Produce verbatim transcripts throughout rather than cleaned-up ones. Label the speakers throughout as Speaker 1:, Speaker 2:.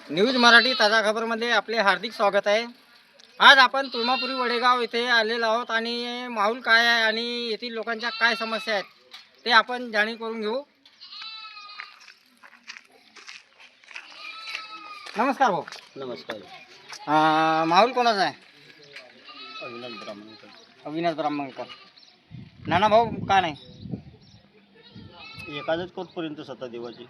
Speaker 1: News Marathi ताजा खबरमध्ये आपले हार्दिक स्वागत आहे. आज आपण तुळमापुरी वडेगाव येथे आलेलो आहोत आणि माहोल काय आहे आणि येथील लोकांच्या काय समस्या आहेत ते आपण जाणीव करून घेऊ. नमस्कार भाऊ.
Speaker 2: नमस्कार.
Speaker 1: अं, माहोल कोणाचा आहे?
Speaker 2: अविनाश ब्राह्मणकर.
Speaker 1: अविनाश ब्राह्मणकर. नाना भाऊ का नाही?
Speaker 2: एखादच कोटपर्यंत सत्ता देवाची.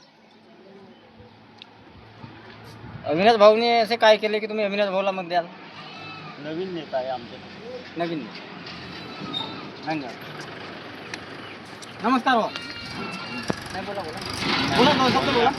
Speaker 1: अविनाश भाऊने असे काय केले की तुम्ही अविनाश भाऊला मत द्याल?
Speaker 2: नवीन नेता आहे आमचे.
Speaker 1: नवीन. धन्यवाद. नमस्कार भाऊ. नाही बोला बोला बोला दोन शब्द बोला.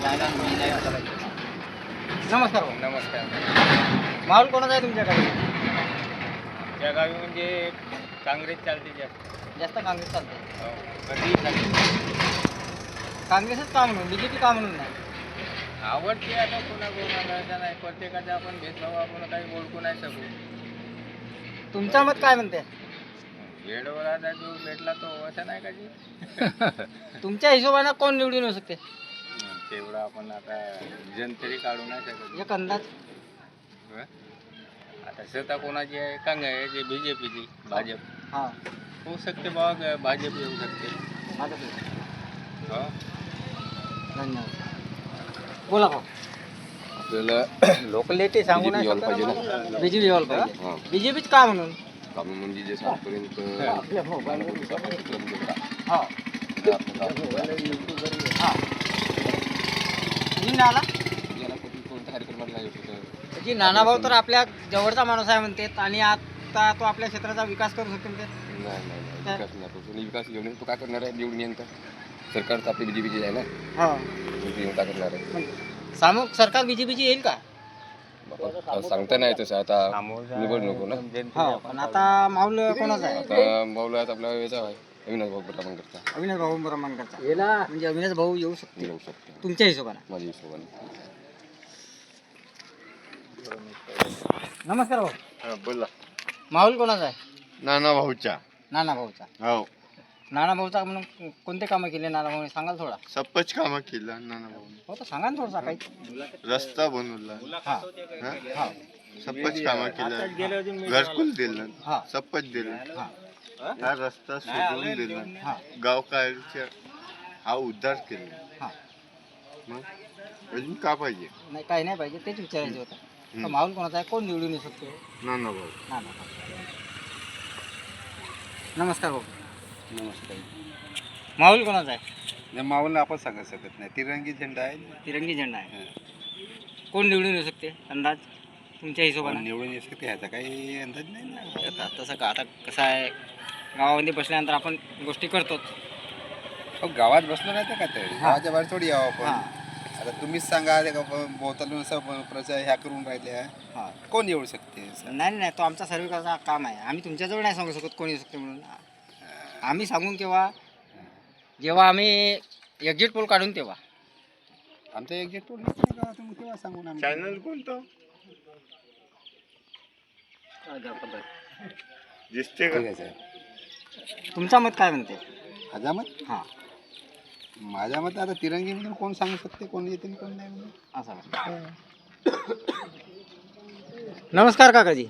Speaker 1: नमस्कार भाऊ.
Speaker 3: नमस्कार.
Speaker 1: माहोल कोणाचा आहे तुमच्याकडे?
Speaker 3: त्या गावी म्हणजे काँग्रेस चालते जास्त.
Speaker 1: जास्त काँग्रेस चालते.
Speaker 3: हो. कधीही चालते.
Speaker 1: काँग्रेसच का म्हणून, बीजेपी का म्हणून नाही?
Speaker 3: आवडते आता कोणा कोणाला असं नाही. प्रत्येकाचा आपण भेदभाव आपण काही ओळखू नाही शकू.
Speaker 1: तुमचं मत काय म्हणते?
Speaker 3: वेळेवर आता जो भेटला तो असं नाही का जी.
Speaker 1: तुमच्या हिशोबाने कोण निवडून येऊ शकते?
Speaker 3: तेवढं आपण आता जन तरी काढू नाही शकत.
Speaker 1: एक अंदाज.
Speaker 3: हं? आता सत्ता कोणाची आहे? Congress, B J पीची, Bhajap.
Speaker 1: हां
Speaker 3: होऊ शकते बाबा, भाजप येऊ शकते.
Speaker 1: माझं
Speaker 3: हो.
Speaker 1: धन्यवाद. बोला भाऊ.
Speaker 4: आपल्याला
Speaker 1: लोकलिटी सांगू नाही
Speaker 4: यायला पाहिजे ना.
Speaker 1: बीजेपी यायला पाहिजे.
Speaker 4: हां
Speaker 1: बीजेपीच का म्हणून?
Speaker 4: काम म्हणजे जे सातपर्यंत
Speaker 1: आपल्या मोबाईल
Speaker 4: कार्यक्रम
Speaker 1: हो नाना
Speaker 4: कोणत्या कार्यक्रमाला नाही होत होतं.
Speaker 1: जी नाना भाऊ तर आपल्या जवळचा माणूस आहे म्हणते आणि आता तो आपल्या क्षेत्राचा विकास करू शकतो म्हणते.
Speaker 4: नाही नाही नाही विकास नाही तो विकास येऊन तो काय करणार आहे? निवडून येईन तर सरकार तर आपली बीजेपीची आहे ना.
Speaker 1: हो
Speaker 4: येऊन काय करणार आहे?
Speaker 1: सामूहिक सरकार बीजेपीची येईल का?
Speaker 4: बाबा, सांगता नाही तसं आता निवड नको ना.
Speaker 1: हो पण आता माऊल कोणाचा आहे?
Speaker 4: आता माऊला आपला याचा आहे अविनाश भाऊ ब्राह्मण करता
Speaker 1: अविनाश भाऊ ब्रह्मांकरचा. म्हणजे अविनाश भाऊ येऊ शकते
Speaker 4: येऊ शकतो
Speaker 1: तुमच्या हिशोबाने?
Speaker 4: माझ्या हिशोबाने.
Speaker 1: नमस्कार भाऊ.
Speaker 2: बोला.
Speaker 1: माहोल कोणाचा आहे?
Speaker 2: नाना भाऊच्या.
Speaker 1: नाना भाऊचा.
Speaker 2: हो.
Speaker 1: नाना भाऊचा म्हणून कोणते कामं केले नाना भाऊ सांगाल थोडा?
Speaker 2: सपच कामं केलं नाना भाऊ.
Speaker 1: हो तर सांगा ना थोडसा काही.
Speaker 2: रस्ता बनवला.
Speaker 1: हा
Speaker 2: हं?
Speaker 1: हा
Speaker 2: सपच कामं केलं. घरकुल दिलं.
Speaker 1: हा
Speaker 2: सपच दिलं.
Speaker 1: हा
Speaker 2: हा रस्ता सोडून दिला.
Speaker 1: हा
Speaker 2: गावकाच्या हा उद्धार केला.
Speaker 1: हा
Speaker 2: मग अजून का पाहिजे?
Speaker 1: नाही काही नाही पाहिजे तेच विचारायचं होतं. तर
Speaker 2: हं.
Speaker 1: माहोल कोणाचा आहे? कोण निवडून येऊ शकतो?
Speaker 2: नाना भाऊ.
Speaker 1: नाना भाऊ. नमस्कार भाऊ.
Speaker 2: नमस्कार.
Speaker 1: माहोल कोणाचा आहे?
Speaker 2: माऊला आपण सांगू शकत नाही. तिरंगी झेंडा आहे.
Speaker 1: तिरंगी झेंडा आहे. कोण निवडून येऊ शकते अंदाज तुमच्या हिशोबाने?
Speaker 2: निवडून येऊ शकते ह्याचा काही अंदाज नाही ना.
Speaker 1: आता तसं का आता कसं आहे गावामध्ये बसल्यानंतर आपण गोष्टी करतोच.
Speaker 2: अहो, गावात बसलो नाही तर का तर गावाच्या बाहेर थोडी यावं आपण.
Speaker 1: हां
Speaker 2: आता तुम्हीच सांगा ते का बोलताना असं प्रचार ह्या करून राहिल्या.
Speaker 1: हां
Speaker 2: कोण येऊ शकते?
Speaker 1: नाही नाही तो आमचा सर्वे करायचा काम आहे. आम्ही तुमच्याजवळ नाही सांगू शकत कोण येऊ शकते म्हणून. आम्ही सांगून केव्हा जेव्हा आम्ही एक्झिट पोल काढून तेव्हा.
Speaker 2: आमचा एक गेट तुम्ही केव्हा सांगून आम्ही. चॅनल कोणतं दिसते का?
Speaker 1: तुमचा मत काय म्हणते?
Speaker 2: माझा मत
Speaker 1: हां
Speaker 2: माझ्या मत आता तिरंगी म्हणून कोण सांगू शकते कोण येते आणि कोण नाही म्हणून.
Speaker 1: असं का? नमस्कार काकाजी.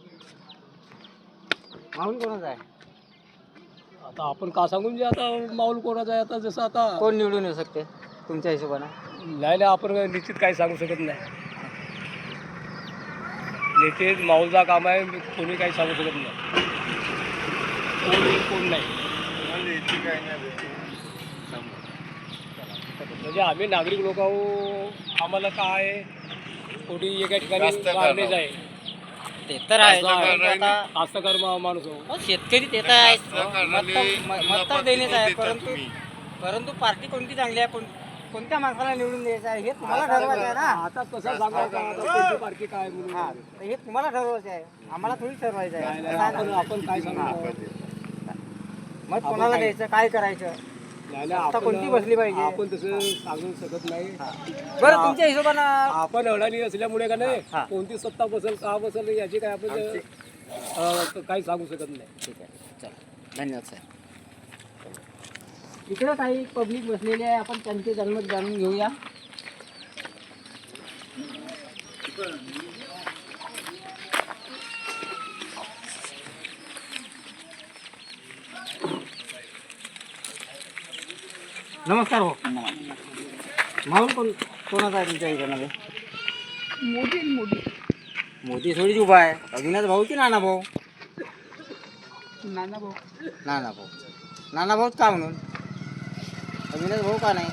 Speaker 1: माहोल कोणाचा आहे?
Speaker 5: आता आपण का सांगून जे आता माऊल कोणाचा आहे आता जसं आता
Speaker 1: कोण निवडून येऊ शकते तुमच्या हिशोबाने?
Speaker 5: नाही नाही आपण निश्चित काही सांगू शकत नाही. निश्चित माऊलचा काम आहे कोणी काही सांगू शकत नाही. कोण येईल, कोण नाही. म्हणजे आम्ही नागरिक लोक आहो. आम्हाला काय कोणी एका ठिकाणी मागणीच आहे.
Speaker 1: ते तर आहे. आता
Speaker 5: कास्तकार मा- माणूस आहो.
Speaker 1: हो, शेतकरी ते तर आहे. मत तर- म- मत तर देणेच आहे परंतु परंतु पार्टी कोणती चांगली आहे कोण कोणत्या माणसाला निवडून द्यायचं आहे हे तुम्हाला ठरवायचं आहे ना.
Speaker 5: आता कसं सांगायचं आता कोणती पार्टी काय म्हणून.
Speaker 1: हां तर हे तुम्हाला ठरवायचं आहे आम्हाला थोडी ठरवायचं
Speaker 5: नाही,
Speaker 1: आहे.
Speaker 5: नाही,
Speaker 1: कसं आहे
Speaker 5: आपण
Speaker 1: ना?
Speaker 5: आपण काय सांगू.
Speaker 1: मत कोणाला द्यायचं काय करायचं
Speaker 5: नाही, नाही,
Speaker 1: आता कोणती
Speaker 5: आपण-
Speaker 1: बसली पाहिजे?
Speaker 5: आपण तसं सांगू शकत नाही.
Speaker 1: बरं तुमच्या हिशोबानं
Speaker 5: आपण अडाणी असल्यामुळे का नाही
Speaker 1: हा.
Speaker 5: कोणती सत्ता बसेल का बसेल याची काय आपण अं, काही सांगू शकत नाही.
Speaker 1: ठीक आहे चला धन्यवाद साहेब. इकडे काही पब्लिक बसलेली आहे आपण त्यांचे जन्म जाणून घेऊया. नमस्कार भाऊ. माहोल कोण कोणाचा आहे तुमच्या इकडे?
Speaker 2: मोदी मोदी
Speaker 1: मोदी थोडीच उभा आहे. अविनाश भाऊ की नाना भाऊ?
Speaker 2: नाना भाऊ
Speaker 1: नाना भाऊ. नाना भाऊच का म्हणून? अविनाश भाऊ का नाही?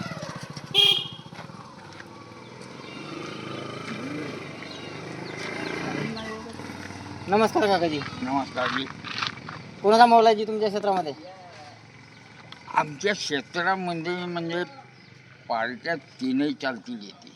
Speaker 1: नमस्कार काकाजी.
Speaker 3: नमस्कार जी.
Speaker 1: कोणाचा माहोल आहे जी तुमच्या क्षेत्रामध्ये?
Speaker 3: आमच्या क्षेत्रामध्ये म्हणजे पार्ट्या तीनही चालतील येते.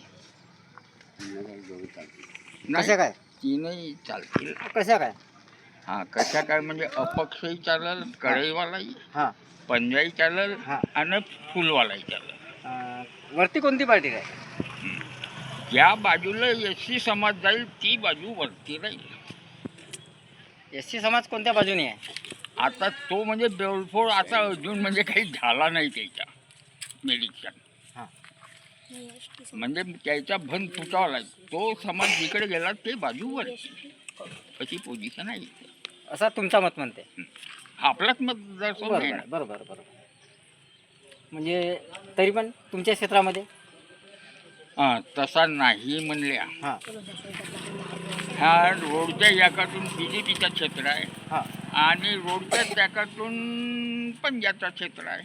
Speaker 1: कशा काय?
Speaker 3: तीनही चालतील.
Speaker 1: कशा काय?
Speaker 3: हा कशा काय म्हणजे अपक्षही चालेल, कढईवालाही,
Speaker 1: हां
Speaker 3: पंजाही चालेल
Speaker 1: हां.
Speaker 3: आणि फुलवालाही चालेल.
Speaker 1: अं, वरती कोणती पार्टी आहे?
Speaker 3: ज्या बाजूला एस सी समाज जाईल ती बाजू वरती राहील.
Speaker 1: एस सी समाज कोणत्या बाजूने आहे?
Speaker 3: आता तो म्हणजे बेलफोड आता अजून म्हणजे काही झाला नाही त्याच्या निरीक्षण.
Speaker 1: हां.
Speaker 3: म्हणजे त्याचा भन फुटावा लागेल. तो समाज जिकडे गेला ते बाजूवर अशी पोझिशन आहे.
Speaker 1: असा तुमचा मत म्हणते?
Speaker 3: आपलाच मतदारसंघ आहे
Speaker 1: बरोबर
Speaker 3: ना.
Speaker 1: बरोबर बरोबर. म्हणजे तरी पण तुमच्या क्षेत्रामध्ये?
Speaker 3: हा, तसा नाही म्हणल्या.
Speaker 1: हां
Speaker 3: ह्या रोडच्या याकातून बी जे पीचा क्षेत्र आहे
Speaker 1: हां.
Speaker 3: आणि रोडच्या त्याकातून पंजाबचा क्षेत्र आहे.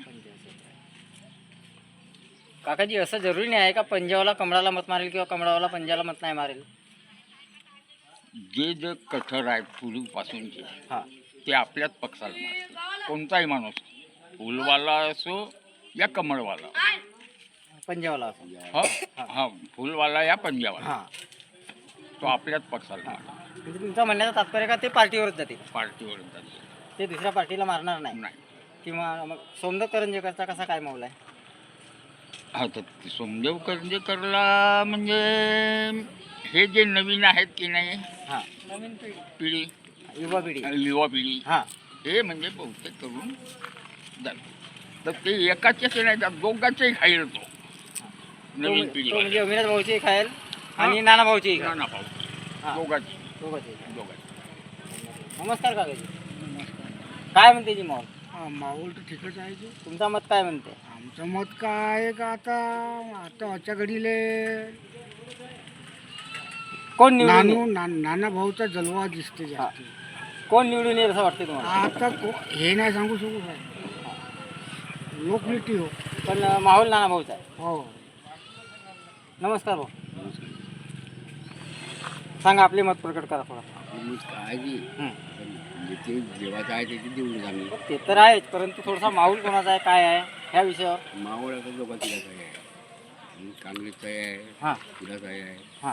Speaker 1: काकाजी असं जरुरी नाही आहे का पंजाबला कमळाला मत मारेल किंवा कमळावाला पंजाबला मत नाही मारेल?
Speaker 3: जे जे कठोर आहे पूर्वीपासूनचे
Speaker 1: हां
Speaker 3: ते आपल्याच पक्षाला मारते. कोणताही माणूस फुलवाला असो या कमळवाला.
Speaker 1: पंजाबला असं.
Speaker 3: हा हा फुलवाला या पंजाबवाला
Speaker 1: हां.
Speaker 3: तो आपल्याच पक्षाला मारतो.
Speaker 1: म्हणजे तुमचा म्हणण्याचं तात्पर्य का ते पार्टीवरच जाते?
Speaker 3: पार्टीवर जाते.
Speaker 1: ते दुसऱ्या पार्टीला मारणार नाही?
Speaker 3: नाही.
Speaker 1: किंवा मग सोमदत्त करंजेकरचा कसा काय माहोल आहे?
Speaker 3: हा तर सोमदेव करंजेकरला म्हणजे हे जे नवीन आहेत की नाही
Speaker 1: हां.
Speaker 3: पिढी
Speaker 1: युवा पिढी.
Speaker 3: युवा पिढी
Speaker 1: हां.
Speaker 3: हे म्हणजे बहुतेक करून जाते. तर ते एकाच्याच नाही जात, दोघांचेही खाईल तो
Speaker 1: तो
Speaker 3: नवीन
Speaker 1: म्हणजे
Speaker 3: पिढी.
Speaker 1: तो म्हणजे अविनाश भाऊची खायल आणि नाना भाऊची खायल.
Speaker 3: ना पाहू
Speaker 1: हां.
Speaker 3: दोघांची
Speaker 1: दोघांची.
Speaker 3: दोघांची.
Speaker 1: नमस्कार काकाजी. काय म्हणते जी माहोल?
Speaker 5: माहोल तर ठीकच आहे जी.
Speaker 1: तुमचा मत काय म्हणते?
Speaker 5: आमचं मत काय आहे का आता आता आजच्या घडीले
Speaker 1: कोण निवडून
Speaker 5: नानू
Speaker 1: येईल?
Speaker 5: ना, नाना भाऊचा जलवा दिसते जास्त.
Speaker 1: कोण निवडून येईल असं वाटतं तुम्हाला?
Speaker 5: आता को- हे नाही सांगू शकू काय लोकनीती हो.
Speaker 1: पण अं, माहोल नाना भाऊचा आहे.
Speaker 5: हो
Speaker 1: नमस्कार भाऊ. सांगा आपले मत प्रकट करा थोडा.
Speaker 2: काय जी
Speaker 1: हं.
Speaker 2: ते जेव्हाचं आहे त्याची देऊन आम्ही
Speaker 1: ते तर आहेच, परंतु थोडासा माहोल कोणाचा आहे काय आहे ह्या विषयावर?
Speaker 2: मावळ आता दोघा तिघाचा आहे आणि काँग्रेसचा आहे
Speaker 1: हां
Speaker 2: तिघाचा आहे
Speaker 1: हां.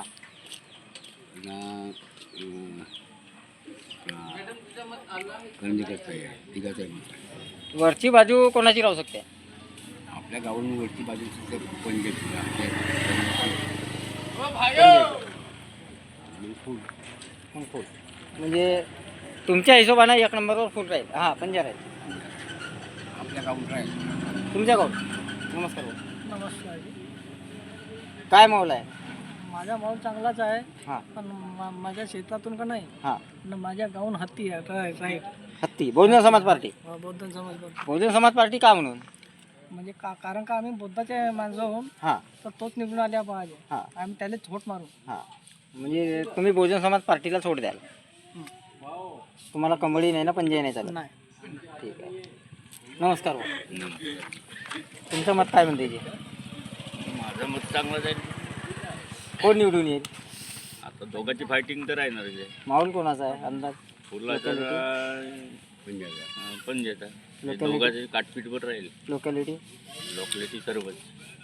Speaker 2: करंजेकरचा आहे तिघाचा आहे.
Speaker 1: वरची बाजू कोणाची राहू शकते?
Speaker 2: आपल्या गावावरून वरची बाजू पंजाबची फुल
Speaker 1: मग फुल म्हणजे तुमच्या हिशोबानं एक नंबरवर फुल राहील. हां पंजा राहील
Speaker 2: आपल्या गावात आहे.
Speaker 1: तुमच्या गाव. नमस्कार भाऊ.
Speaker 5: नमस्कार.
Speaker 1: काय माहोल आहे?
Speaker 5: माझा माहोल चांगलाच आहे
Speaker 1: हां
Speaker 5: पण माझ्या शेतातून का नाही
Speaker 1: हां.
Speaker 5: माझ्या गावून हत्ती आहे राईट
Speaker 1: हत्ती बहुजन समाज पार्टी.
Speaker 5: बौद्ध समाज
Speaker 1: बहुजन समाज पार्टी का म्हणून?
Speaker 5: म्हणजे का कारण का आम्ही बुद्धाचे माणसं होऊन
Speaker 1: हां
Speaker 5: तर तोच निवडून आल्या पाहिजे.
Speaker 1: हां
Speaker 5: आम्ही त्याला छोट मारू.
Speaker 1: हां. म्हणजे तुम्ही बहुजन समाज पार्टीला सोड द्याल? तुम्हाला कंबळी नाही ना पंजाही नाही चालत?
Speaker 5: नाही.
Speaker 1: ठीक आहे. नमस्कार भाऊ. तुमचं मत काय म्हणते जे?
Speaker 3: माझं मत चांगलं जाईल.
Speaker 1: कोण निवडून येईल?
Speaker 3: आता दोघांची फायटिंग तर राहणार आहे.
Speaker 1: माहोल कोणाचा आहे अंदाज?
Speaker 3: फुलाचा
Speaker 2: पंजाबचा
Speaker 3: पंजाचा
Speaker 1: Locality.
Speaker 3: दोघांची काटपीटवर राहील.
Speaker 1: लोकॅलिटी
Speaker 3: लोकलिटी सर्वच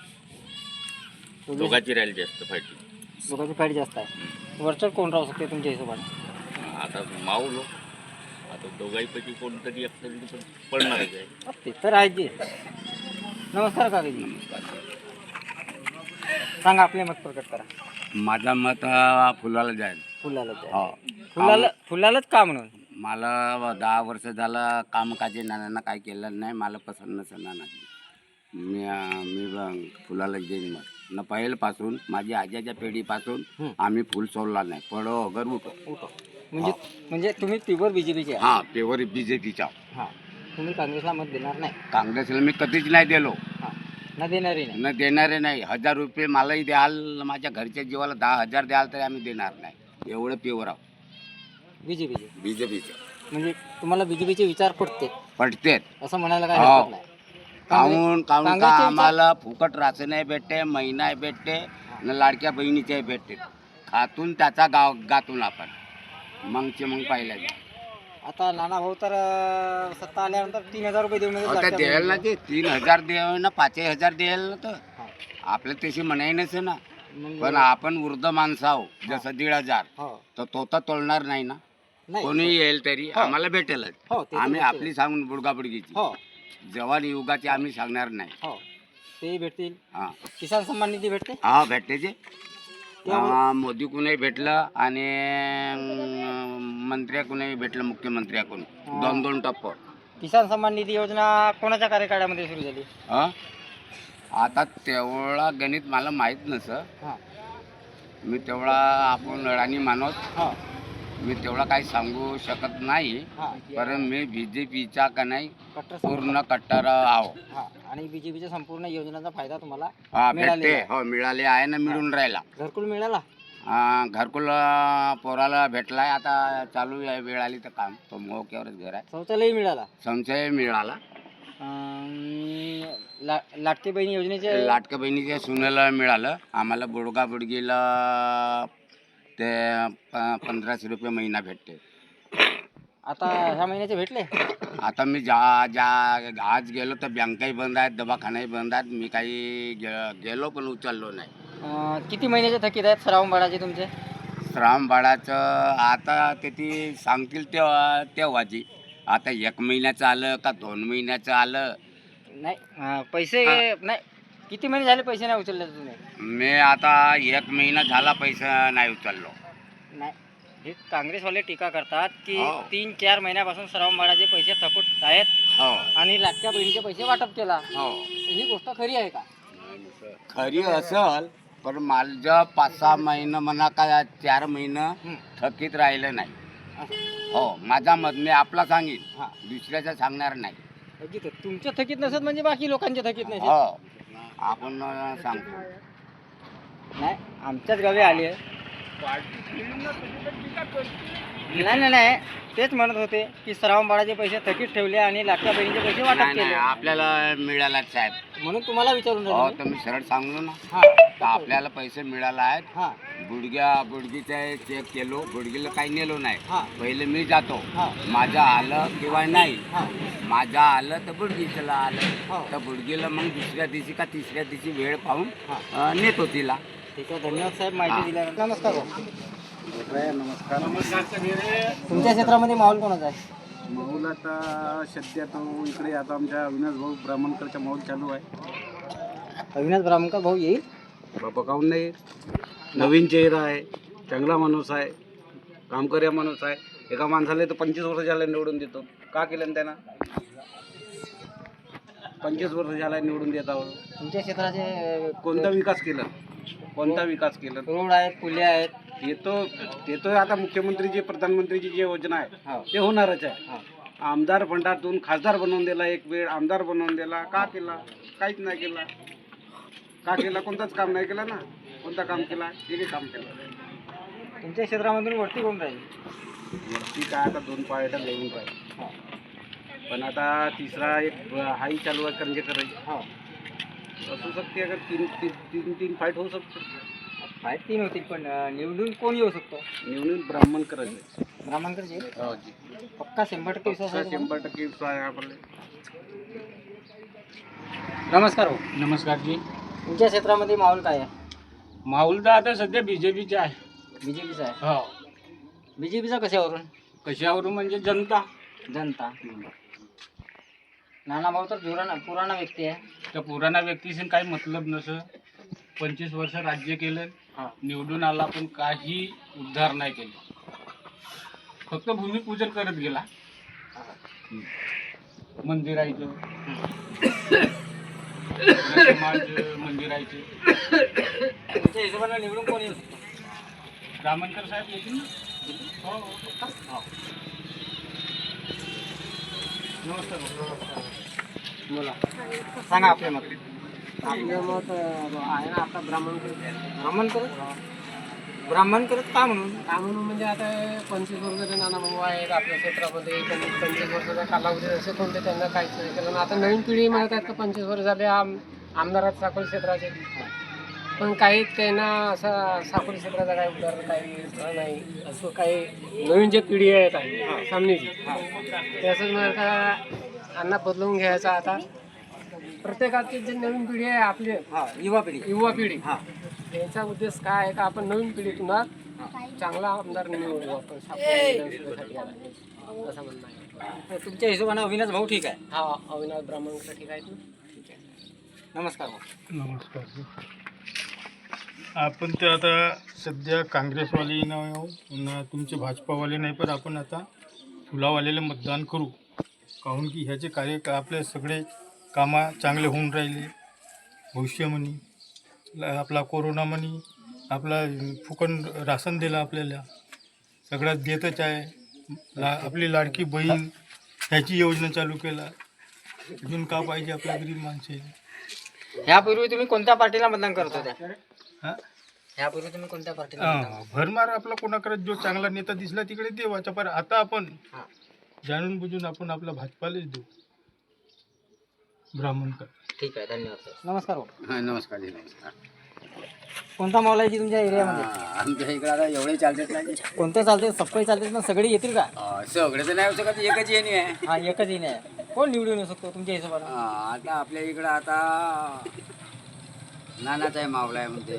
Speaker 3: दोघांची राहील जास्त फायटिंग.
Speaker 1: लोकांची फाईट जास्त आहे. वरचढ कोण राहू शकते तुमच्या हिशोबाने?
Speaker 3: आता मावलो आता दोघांपैकी कोणतरी एक तरी पण पडणारच आहे.
Speaker 1: ते तर आहे जे. नमस्कार काकाजी. सांगा आपले मत प्रकट करा.
Speaker 2: माझा मत हा फुलाला जाईल.
Speaker 1: फुलाला
Speaker 2: हो
Speaker 1: फुलाला फुलालाच का म्हणून?
Speaker 2: मला दहा वर्ष झालं कामकाजी नानांना काय केलं नाही. मला पसंत नसेल नाना. मी मी ब- फुलाला देईन मग.
Speaker 3: न पहिल्यापासून माझी आज्याच्या पिढीपासून
Speaker 1: हं.
Speaker 3: आम्ही फुल सोडला नाही पडो अगर उठो
Speaker 1: उठो म्हणजे म्हणजे तुम्ही प्युअर बीजेपीचे आहे.
Speaker 3: हा पेवर बीजेपीचा
Speaker 1: हा तुम्ही काँग्रेसला मत देणार नाही.
Speaker 3: काँग्रेसला मी कधीच नाही दिलो
Speaker 1: हा ना देणारही नाही.
Speaker 3: न देणारे नाही. हजार रुपये मलाही द्याल माझ्या घरच्या जीवाला दहा हजार द्याल तरी आम्ही देणार नाही. एवढं प्युअर आहोत
Speaker 1: बीजेपीचे
Speaker 3: बीजेपीचं.
Speaker 1: म्हणजे तुम्हाला बीजेपीचे विचार पटते
Speaker 3: पटते
Speaker 1: असं म्हणायला काय
Speaker 3: हो.
Speaker 1: हरकत नाही.
Speaker 3: काहून काहून का
Speaker 1: काँग्रेसचे विचार-
Speaker 3: आम्हाला फुकट राशनही भेटते महिनाही भेटते न लाडक्या बहिणीच्याही भेटते. खातून त्याचा गाव गातून आपण मगचे मग पाहिल्या
Speaker 1: आता नाना भाऊ तर अं, सत्ता आल्यानंतर तीन हजार रुपये देऊन
Speaker 3: आता द्यायला ना ते तीन हजार द्यावे ना पाचही हजार द्यायला ना तर
Speaker 1: हा.
Speaker 3: आपलं तशी म्हणायनच ना.
Speaker 1: मग-
Speaker 3: पण आपण वृद्ध माणसं आहो जसं दीड हजार
Speaker 1: हो
Speaker 3: तर तो तर तोलणार नाही ना.
Speaker 1: नाही
Speaker 3: कोणी येईल तरी
Speaker 1: हो.
Speaker 3: आम्हाला भेटेलच.
Speaker 1: हो ते तर
Speaker 3: आम्ही
Speaker 1: भेटतील.
Speaker 3: आपली सांगून बुडगाबुडगीची
Speaker 1: हो
Speaker 3: जवान युगाची आम्ही सांगणार नाही.
Speaker 1: हो तेही भेटतील.
Speaker 3: हा
Speaker 1: किसान सन्मान निधी भेटते.
Speaker 3: हा भेटते जे
Speaker 1: त्यामुळे-
Speaker 3: हा, मोदी कुणाही भेटलं आणि अं, मंत्र्याकडूनही भेटलं मुख्यमंत्र्याकडून
Speaker 1: हा.
Speaker 3: दोन दोन टप्प.
Speaker 1: किसान सन्मान निधी योजना कोणाच्या कार्यकाळामध्ये सुरू झाली.
Speaker 3: हा आता तेवढा गणित मला माहीत नसं.
Speaker 1: हा
Speaker 3: मी तेवढा आपण अडाणी माणूस
Speaker 1: हा
Speaker 3: मी तेवढा काही सांगू शकत नाही.
Speaker 1: हा
Speaker 3: कारण मी बी जे पीचा का नाही
Speaker 1: कट्टर सम-
Speaker 3: पूर्ण कट्टर आहो.
Speaker 1: हा आणि बीजेपीच्या संपूर्ण योजनांचा फायदा तुम्हाला
Speaker 3: हा
Speaker 1: मिळालेला
Speaker 3: भेटते
Speaker 1: आहे.
Speaker 3: हो मिळाले आहे ना मिळून राहिला.
Speaker 1: घरकुल मिळाला.
Speaker 3: हा, घरकुल अं, पोराला भेटलाय आता चालू आहे. वेळ आली तर काम तो मोक्यावरच घर आहे.
Speaker 1: शौचालयही मिळाला.
Speaker 3: संशय मिळाला.
Speaker 1: अं, ला लाटके बहिणी योजनेचे
Speaker 3: लाटक्या बहिणीच्या सुनेला मिळालं. आम्हाला बुडगा बुडगीला ते प- पंधराशे रुपये महिना भेटते.
Speaker 1: आता ह्या महिन्याचे भेटले.
Speaker 3: आता मी जा जा आज गेलो तर बँकाही बंद आहेत दवाखानाही बंद आहेत. मी काही गे- गेलो पण उचललो नाही.
Speaker 1: अं, किती महिन्याचे थकीत आहेत श्रावण बाळाचे तुमचे.
Speaker 3: श्राम बाळाचं आता ते ती सांगतील तेव्हा तेव्हाची. आता एक महिन्याचं आलं का दोन महिन्याचं आलं.
Speaker 1: नाही अं, पैसे नाही किती महिने झाले पैसे नाही उचलले तुम्ही.
Speaker 3: मी आता एक महिना झाला पैसा नाही उचललो.
Speaker 1: नाही हे काँग्रेसवाले टीका करतात की
Speaker 3: हो.
Speaker 1: तीन चार महिन्यापासून श्रावण बाळाचे पैसे थकूट आहेत
Speaker 3: हो
Speaker 1: आणि लाटक्या बहिणीचे पैसे वाटप केला.
Speaker 3: हो
Speaker 1: ही गोष्ट खरी आहे का.
Speaker 3: खरी असल पण माझं पाच सहा महिनं म्हणा का चार महिनं
Speaker 1: हं.
Speaker 3: थकीत राहिलं नाही.
Speaker 1: असं.
Speaker 3: हो माझा मत मी आपला सांगेन
Speaker 1: हा
Speaker 3: दुसऱ्याचं सांगणार नाही.
Speaker 1: अगदी तर तुमचे थकीत नसत म्हणजे बाकी लोकांचे थकीत नसत.
Speaker 3: हो आपण अं, सांगतो.
Speaker 1: नाही आमच्याच गावी आली आहे. नाही नाही नाही तेच म्हणत होते की श्रावण बाळाचे पैसे थकीत ठेवले आणि लाटक्या बहिणीचे पैसे वाटप
Speaker 3: नाही नाही
Speaker 1: केले
Speaker 3: आपल्याला मिळाला साहेब.
Speaker 1: म्हणून तुम्हाला विचारून
Speaker 3: हो
Speaker 1: राहिले
Speaker 3: तर
Speaker 1: मी.
Speaker 3: मी सरळ सांगलो ना.
Speaker 1: हा
Speaker 3: तर आपल्याला पैसे मिळाला आहेत.
Speaker 1: हा
Speaker 3: गुडघ्या गुडघीचा चेक केलो गुडघीला काही नेलो नाही.
Speaker 1: हा
Speaker 3: पहिले मी जातो
Speaker 1: हा
Speaker 3: माझं आलं किंवा नाही.
Speaker 1: हा
Speaker 3: माझं आलं तर बुडगीला आलं
Speaker 1: हो.
Speaker 3: तर बुडगीला मग दुसऱ्या दिवशी का तिसऱ्या दिवशी वेळ पाहून
Speaker 1: हा
Speaker 3: अं, नेतो तिला.
Speaker 1: ठीक आहे धन्यवाद साहेब माहिती दिल्यानंतर. नमस्कार भाऊ.
Speaker 2: नमस्कार.
Speaker 1: तुमच्या क्षेत्रामध्ये माहोल कोणाचा आहे.
Speaker 2: माहोल आता सध्या तो इकडे आता आमच्या अविनाश भाऊ ब्राह्मणकरचा माहोल चालू आहे.
Speaker 1: अविनाश ब्राह्मणकर भाऊ येईल.
Speaker 2: बाबा काहून नाही. नवीन चेहरा आहे चांगला माणूस आहे कामकर्या माणूस आहे. एका माणसाला तर पंचवीस वर्ष झाले निवडून देतो. का केलं त्यांना पंचवीस वर्ष झाला निवडून देत आहोत.
Speaker 1: तुमच्या क्षेत्राचे
Speaker 2: कोणता विकास केला कोणता विकास केला
Speaker 1: रोड आहेत पुले आहेत.
Speaker 2: ते तो ते तो आता मुख्यमंत्रीची प्रधानमंत्रीची जी योजना आहे
Speaker 1: हो.
Speaker 2: ते होणारच आहे.
Speaker 1: हा.
Speaker 2: आमदार फंडातून खासदार बनवून दिला. एक वेळ आमदार बनवून दिला. का केला काहीच नाही केला. का केला कोणताच काम नाही केला ना. कोणता काम केला एकही काम केलं.
Speaker 1: तुमच्या क्षेत्रामधून वरती कोण राहील.
Speaker 2: वरती काय आता दोन पार्ट्या लिहून पाहिजे पण आता तिसरा एक हाही चालू आहे करंजेकर
Speaker 1: हो
Speaker 2: असू शकते. अगर तीन तीन तीन तीन फाईट होऊ शकतो.
Speaker 1: फाईट तीन होतील पण अं, निवडून कोण येऊ शकतो.
Speaker 2: निवडून ब्राह्मण करायचे.
Speaker 1: ब्राह्मणकर येईल.
Speaker 2: हो जी
Speaker 1: पक्का शंभर टक्के विश्वास आहे तुम्हाला?
Speaker 2: शंभर टक्के विश्वास आहे आपल्याला.
Speaker 1: नमस्कार भाऊ.
Speaker 5: नमस्कार जी.
Speaker 1: तुमच्या क्षेत्रामध्ये माहोल काय आहे.
Speaker 5: माहोल तर आता सध्या बीजेपीचे आहे.
Speaker 1: बीजेपीचा आहे.
Speaker 5: हो
Speaker 1: बीजेपीचा कशावरून.
Speaker 5: कशावरून म्हणजे जनता.
Speaker 1: जनता. नाना भाऊ तर जुराना पुराणा व्यक्ती आहे.
Speaker 5: त्या पुराणा व्यक्तीशी काही मतलब नसं. पंचवीस वर्ष राज्य केलं
Speaker 1: हा.
Speaker 5: निवडून आला पण काही उद्धार नाही केलं. फक्त भूमिपूजन करत गेला मंदिराचं.
Speaker 2: समाज मंदिराचे
Speaker 1: तुमच्या हिशोबाने निवडून कोण येऊ शकतो?
Speaker 2: ब्राह्मणकर साहेब येतील ना. हो हो.
Speaker 1: बोला, सांगा आपले मत.
Speaker 5: आपलं मत आहे ना आता ब्राह्मणकर.
Speaker 1: ब्राह्मण करत ब्राह्मण करत का म्हणून?
Speaker 5: काय म्हणून म्हणजे आता हे पंचवीस वर्षाचे नाना भाऊ आहेत आपल्या क्षेत्रामध्ये. त्यांनी पंचवीस वर्षाचा कालावधी असे कोणते त्यांना काहीच नाही केलं. आता नवीन पिढी म्हणत आहेत का पंचवीस वर्ष झाले आम आमदारात साकोली क्षेत्राचे, पण काही त्यांना असा साकोली क्षेत्राचा काही उदाहरण काही नाही. असं काही नवीन जे पिढी आहेत आहे सामनेची ते असंच म्हणत का अण्णा बदलवून घ्यायचा. आता प्रत्येकाची जी नवीन पिढी आहे आपली
Speaker 1: हा, युवा पिढी.
Speaker 5: युवा पिढी,
Speaker 1: हा,
Speaker 5: याचा उद्देश काय आहे का आपण नवीन पिढीतून चांगला आमदार निवडू आपण साकोली विधानसभेसाठी आहे. असं म्हणणं आहे.
Speaker 1: तर तुमच्या हिशोबाने अविनाश भाऊ ठीक आहे.
Speaker 5: हा, अविनाश ब्राह्मणकर ठीक आहेत ना.
Speaker 1: नमस्कार भाऊ.
Speaker 6: नमस्कार. आपण ते आता सध्या काँग्रेसवाले नाही पुन्हा तुमचे भाजपावाले नाही, पण आपण आता फुलावालेले मतदान करू. काहून की ह्याचे कार्य आपले सगळे कामं चांगले होऊन राहिले. भविष्य म्हणी ला- आपला कोरोना म्हणी आपला फुकट राशन दिलं आपल्याला, सगळ्यात देतच आहे. ला आपली लाडकी बहीण ह्याची योजना चालू केला. अजून का पाहिजे आपल्या गरीब माणसे.
Speaker 1: ह्यापूर्वी तुम्ही कोणत्या पार्टीला मतदान करत होत्या?
Speaker 6: हां
Speaker 1: ह्यापूर्वी तुम्ही कोणत्या पार्टीला मतदान
Speaker 6: हा, भरमार आपला कोणाकडे जो चांगला नेता दिसला तिकडे देवाचा, पण आता आपण
Speaker 1: हा.
Speaker 6: जाणून बुजून आपण आपला भाजपालाच देऊ. ब्राह्मणकर.
Speaker 1: ठीक आहे, धन्यवाद सर. नमस्कार भाऊ.
Speaker 3: हा, नमस्कार जी, नमस्कार.
Speaker 1: कोणता मॉल आहे जी तुमच्या एरियामध्ये?
Speaker 3: हा, आमच्या इकडे आता एवढे चालतात नाही.
Speaker 1: कोणतं चालते? सप्पई चालते ना? सगळे येतील का?
Speaker 3: हा, सगळे तर नाही होऊ शकत, एकच येणे आहे.
Speaker 1: हा, एकच येणे आहे. कोण निवडून येऊ शकतो तुमच्या हिशोबाने?
Speaker 3: हा, आता आपल्या इकडं आता नानाचा आहे, मावळा आहे म्हणते,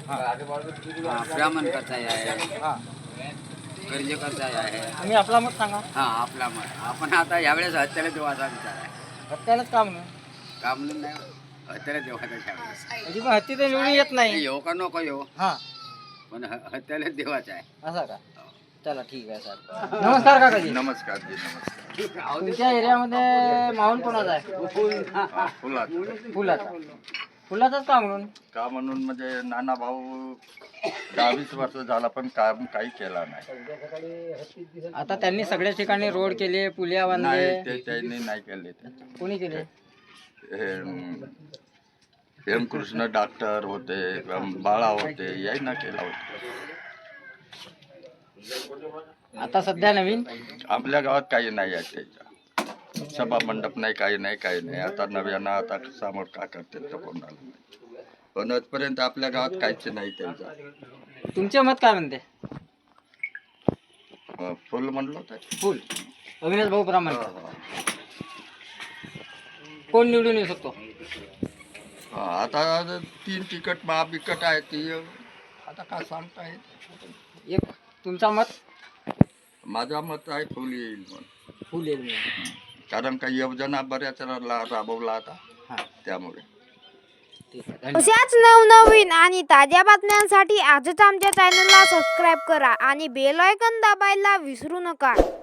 Speaker 3: हा, ब्राह्मणकरचा आहे,
Speaker 1: हा,
Speaker 3: कर्जेकरचा आहे.
Speaker 1: तुम्ही आपला मत सांगा.
Speaker 3: हा, आपला मत आपण आता यावेळेस हत्याला देवाचा विचार आहे.
Speaker 1: हत्यालाच का म्हणून?
Speaker 3: का म्हणून नाही, हत्याला देवाचा यावेळेस.
Speaker 1: म्हणजे पण हत्ती तर निवडून येत नाही.
Speaker 3: येऊ का नको येऊ,
Speaker 1: हा,
Speaker 3: पण ह- हत्याला देवाचा आहे.
Speaker 1: असं का? चला ठीक आहे सर. नमस्कार काकाजी.
Speaker 7: नमस्कार जी, नमस्कार.
Speaker 1: तुमच्या एरियामध्ये माहोल कोणाचा आहे?
Speaker 7: हा, फुलात
Speaker 1: फुलाचा. फुलाचाच का म्हणून?
Speaker 7: का म्हणून म्हणजे नाना भाऊ दहावीस वर्ष झाला पण काम काही केला नाही.
Speaker 1: आता त्यांनी सगळ्या ठिकाणी रोड केले, पुलिया
Speaker 7: नाही
Speaker 1: बांधले.
Speaker 7: ते त्यांनी नाही केले. ते
Speaker 1: कोणी केले?
Speaker 7: हे, अं, हेमकृष्ण डॉक्टर होते, अं, बाळा होते, यांना केला होता.
Speaker 1: आता सध्या नवीन
Speaker 7: आपल्या गावात काही नाही आहे त्याच्या. सभा मंडप नाही, काही नाही, काही नाही. आता नव्यानं आता समोर का करते तर कोणाला नाही. पण आजपर्यंत आपल्या गावात काहीच नाही त्यांचा.
Speaker 1: तुमचे मत काय म्हणते?
Speaker 7: अं, फुल म्हणलं होतं.
Speaker 1: फुल अविनाश भाऊ ब्राह्मण. कोण निवडून येऊ शकतो?
Speaker 7: हा, आता तीन तिकट महाबिकट आहे ती आता काय सांगता येत.
Speaker 1: एक तुमचा मत?
Speaker 7: माझा मत आहे फुल येईल म्हणून.
Speaker 1: फुल येईल म्हणून.
Speaker 7: कारण काही योजना बऱ्याच रा- राबवला आता
Speaker 1: हा,
Speaker 7: त्यामुळे.
Speaker 1: ठीक आहे, धन्यवाद.
Speaker 8: अशाच नवनवीन आणि ताज्या बातम्यांसाठी आजच आमच्या चॅनलला सबस्क्राईब करा आणि बेल आयकॉन दाबायला विसरू नका.